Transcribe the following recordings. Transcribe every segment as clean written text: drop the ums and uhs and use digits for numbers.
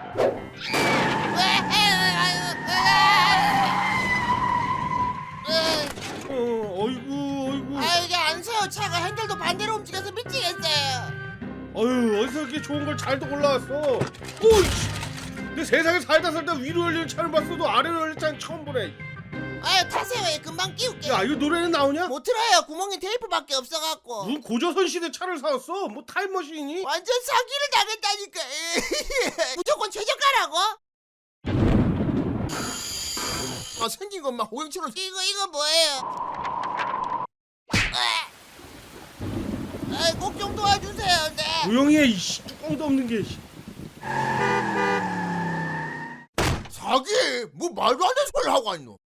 어이구. 아 이게 안 서요. 차가 핸들도 반대로 움직여서 미치겠어요. 어휴, 어디서 이렇게 좋은 걸 잘도 골라왔어. 오이씨. 내 세상에 살다 위로 열리는 차를 봤어도 아래로 열리는 차는 처음 보네. 아유 타세요. 예, 금방 끼울게요. 야, 이거 노래는 나오냐? 못 틀어요. 구멍에 테이프밖에 없어갖고. 무슨 고조선 시대 차를 사왔어? 뭐 타임머신이니? 완전 사기를 당했다니까. 무조건 최저가라고? 아 생긴 것만 호행처럼. 이거 뭐예요? 꼭 좀 도와주세요. 네. 조용히 해, 이씨. 뚜껑도 없는 게. 사기? 뭐 말도 안 되는 소리를 하고 있노?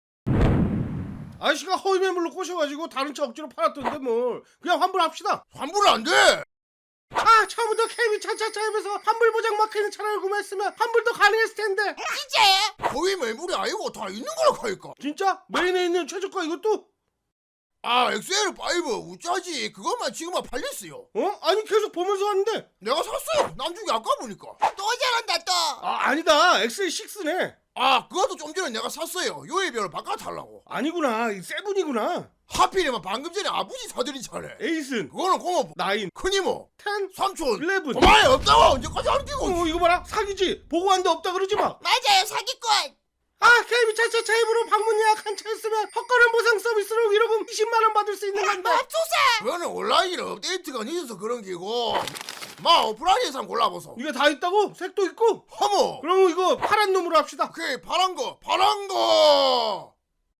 아저씨가 허위 매물로 꼬셔가지고 다른 차 억지로 팔았던데 뭘. 그냥 환불합시다. 환불은 안 돼. 처음부터 KB 차차차에서 환불 보장 마크있는 차량을 구매했으면 환불도 가능했을 텐데. 진짜요? 거의 매물이 아니고 다 있는 거라 하니까. 진짜? 메인에 있는 최저가 이것도? 아 XL5 우짜지. 그것만 지금만 팔렸어요. 아니 계속 보면서 왔는데. 내가 샀어요. 남중이 아까 보니까. 또 잘한다 또. 아니다, XL6네. 아 그것도 좀 전에 내가 샀어요. 요일별로 바꿔달라고. 아니구나, 이 세븐이구나. 하필이면 방금 전에 아버지 사드린 차래. 에이슨, 그거는 고모, 나인, 큰이모, 텐, 삼촌, 11. 도마에 없다고 언제까지 안 끼고. 이거 봐라, 사기지. 보고 왔는데 없다 그러지 마. 맞아요. 사기꾼. KB 차차차 앱으로 방문 예약한 차 있으면 헛걸음 보상 서비스로 위로금 20만원 받을 수 있는 건데. 맙소사. 그거는 온라인 업데이트가 늦어서 그런 기고. 마 오프라인에서 한번 골라보소. 이게 다 있다고? 색도 있고? 허모. 그럼 이거 파란 놈으로 합시다. 오케이 파란 거.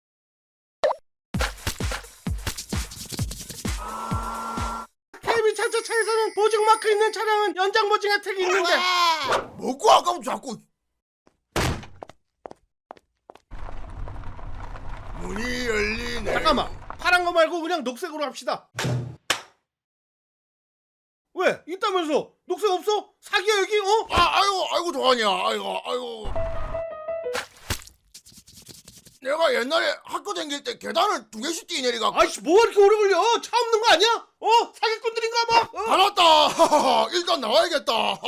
KB 차차차에서는 보증 마크 있는 차량은 연장 보증 혜택이 있는데. 와. 먹고 아까부터 자꾸. 문이 열리네. 잠깐만, 파란 거 말고 그냥 녹색으로 합시다. 왜? 있다면서? 녹색 없어? 사기야 여기? 아이고 도하냐. 아이고. 내가 옛날에 학교 다닐 때 계단을 2개씩 뛰내리갖고. 아이씨, 뭐가 이렇게 오래 걸려? 차 없는 거 아니야? 사기꾼들인가 봐. 알았다. 일단 나와야겠다.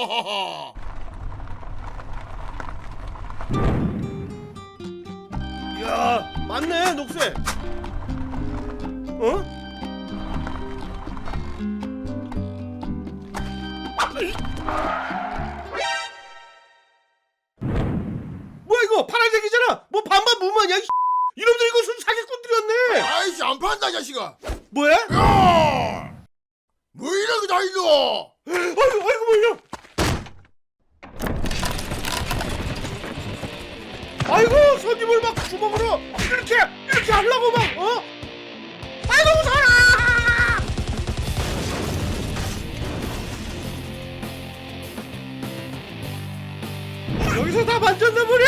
이야, 맞네, 녹색. 뭐야 이거? 파란색이잖아. 뭐 반반 무만이야? 이놈들 이거 순 사기꾼들이었네. 아이씨 안 판다 이 자식아. 뭐야? 야! 뭐 이런 거다 있노? 아이고 뭐야? 아이고, 손님을 막 주먹으로 이렇게 하려고 막. 아이고 무서워라. 여기서 다 만졌나 보네.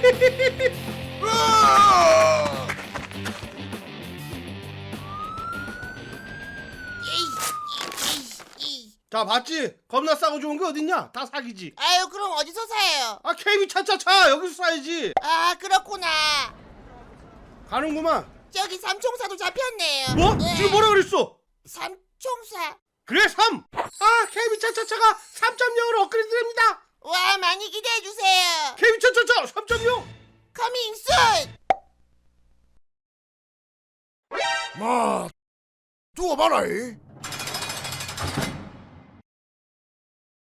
으아! 자, 봤지? 겁나 싸고 좋은 게 어딨냐? 다 사기지. 아유 그럼 어디서 사요? KB 차차차 여기서 사야지. 아 그렇구나. 가는구만. 저기 삼총사도 잡혔네요. 뭐? 네. 지금 뭐라 그랬어? 삼총사. 그래, 3. KB 차차차가